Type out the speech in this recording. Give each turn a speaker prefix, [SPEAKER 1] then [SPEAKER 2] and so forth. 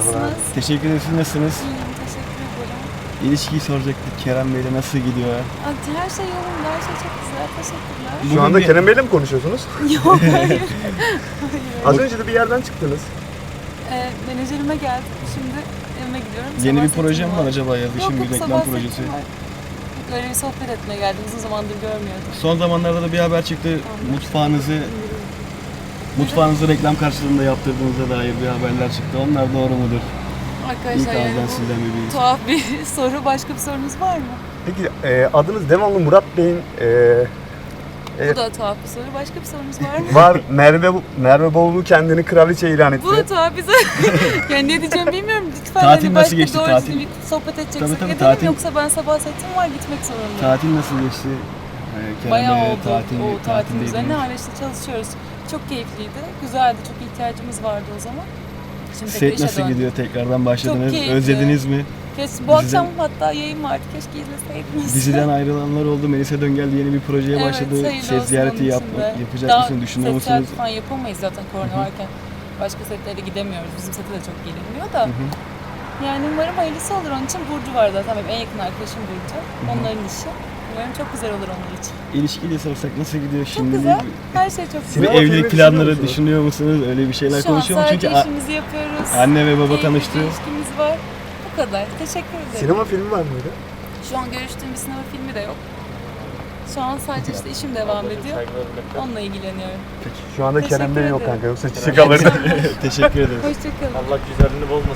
[SPEAKER 1] Nasılsınız?
[SPEAKER 2] Teşekkür ederiz. Siz nasılsınız?
[SPEAKER 1] İyiyim, teşekkür ederim.
[SPEAKER 2] İlişkiyi soracaktık. Kerem Bey'le nasıl gidiyor?
[SPEAKER 1] Her şey yolunda, her şey çok güzel. Teşekkürler.
[SPEAKER 3] Şu anda Kerem Bey'le mi konuşuyorsunuz?
[SPEAKER 1] Yok, hayır.
[SPEAKER 3] Az önce de bir yerden çıktınız.
[SPEAKER 1] Menajerime geldim. Şimdi evime gidiyorum.
[SPEAKER 2] Yeni
[SPEAKER 1] Sabah
[SPEAKER 2] bir proje mi
[SPEAKER 1] setim
[SPEAKER 2] var acaba ya?
[SPEAKER 1] Yok,
[SPEAKER 2] Şimdi
[SPEAKER 1] yok,
[SPEAKER 2] bir
[SPEAKER 1] sabah
[SPEAKER 2] reklam
[SPEAKER 1] setim
[SPEAKER 2] projesi.
[SPEAKER 1] var. Öyle bir sohbet etmeye geldim. Uzun zamandır görmüyordum.
[SPEAKER 2] Son zamanlarda da bir haber çıktı. Mutfağınızı reklam karşılığında yaptırdığınıza dair bir haberler çıktı. Onlar doğru mudur?
[SPEAKER 1] Arkadaşlar
[SPEAKER 2] İlk
[SPEAKER 1] yani
[SPEAKER 2] ağızdan
[SPEAKER 1] bu
[SPEAKER 2] sizden bir bilgi.
[SPEAKER 1] tuhaf bir soru. Başka bir sorunuz var mı?
[SPEAKER 3] Peki adınız devamlı Murat Bey'in
[SPEAKER 1] Bu da tuhaf bir soru. Başka bir sorunuz var mı?
[SPEAKER 3] var. Merve Bolu kendini kraliçe ilan etti.
[SPEAKER 1] Bu da tuhaf bir soru. Yani ne diyeceğim bilmiyorum. Lütfen
[SPEAKER 2] Tatil
[SPEAKER 1] hani
[SPEAKER 2] nasıl
[SPEAKER 1] başka
[SPEAKER 2] geçti,
[SPEAKER 1] doğru
[SPEAKER 2] tatil?
[SPEAKER 1] düzgün bir sohbet edeceksek
[SPEAKER 2] Tabii,
[SPEAKER 1] edelim.
[SPEAKER 2] tatil.
[SPEAKER 1] Yoksa ben sabah setim var, gitmek zorundayım.
[SPEAKER 2] Tatil nasıl geçti? Kerem
[SPEAKER 1] Bayağı
[SPEAKER 2] Bey'le
[SPEAKER 1] oldu o tatilin
[SPEAKER 2] tatildeydiniz.
[SPEAKER 1] üzerine. Hala işte çalışıyoruz. Çok keyifliydi. Güzeldi. Çok ihtiyacımız vardı o zaman. Şimdi tekrar
[SPEAKER 2] Set
[SPEAKER 1] işe
[SPEAKER 2] nasıl
[SPEAKER 1] döndüm.
[SPEAKER 2] gidiyor? Tekrardan başladınız.
[SPEAKER 1] keyifli.
[SPEAKER 2] Özlediniz mi?
[SPEAKER 1] Bu
[SPEAKER 2] Diziden-
[SPEAKER 1] akşam hatta yayın vardı. Keşke izleseydiniz.
[SPEAKER 2] Diziden ayrılanlar oldu. Melisa Döngel yeni bir projeye
[SPEAKER 1] Evet,
[SPEAKER 2] başladı.
[SPEAKER 1] hayırlı
[SPEAKER 2] Set
[SPEAKER 1] olsun
[SPEAKER 2] ziyareti
[SPEAKER 1] onun için de.
[SPEAKER 2] yapacak
[SPEAKER 1] Daha
[SPEAKER 2] mısınız? Düşünüyor
[SPEAKER 1] set ziyareti
[SPEAKER 2] musunuz?
[SPEAKER 1] falan yapamayız zaten korona varken. Başka setlere gidemiyoruz. Bizim sete de çok gelinmiyor da. Yani umarım hayırlısı olur. Onun için Burcu var zaten. Benim en yakın arkadaşım Burcu. Onların işi. Umarım çok güzel olur onlar için.
[SPEAKER 2] İlişkiyle sorsak nasıl gidiyor
[SPEAKER 1] Çok
[SPEAKER 2] şimdi?
[SPEAKER 1] güzel. Her şey çok
[SPEAKER 2] Bir
[SPEAKER 1] güzel.
[SPEAKER 3] Sinema filmi
[SPEAKER 2] evlilik
[SPEAKER 3] düşünüyor
[SPEAKER 2] planları
[SPEAKER 3] musunuz?
[SPEAKER 2] düşünüyor musunuz? Öyle bir şeyler
[SPEAKER 1] Şu an
[SPEAKER 2] konuşuyor mu?
[SPEAKER 1] sadece
[SPEAKER 2] Çünkü
[SPEAKER 1] işimizi yapıyoruz.
[SPEAKER 2] anne ve baba
[SPEAKER 1] Keyifli
[SPEAKER 2] tanıştı.
[SPEAKER 1] bir ilişkimiz var. Bu kadar. Teşekkür ederim.
[SPEAKER 3] Sinema filmi var mıydı?
[SPEAKER 1] Şu an görüştüğüm bir sinema filmi de yok. Şu an sadece işte işim devam ediyor. Onunla ilgileniyorum.
[SPEAKER 3] Şu anda
[SPEAKER 1] Teşekkür
[SPEAKER 3] Kerem Bey yok
[SPEAKER 1] ederim.
[SPEAKER 3] kanka, yoksa çiçek alırdı.
[SPEAKER 2] Teşekkür ederim.
[SPEAKER 1] Hoşçakalın.
[SPEAKER 4] Allah güzelliğini bozmasın.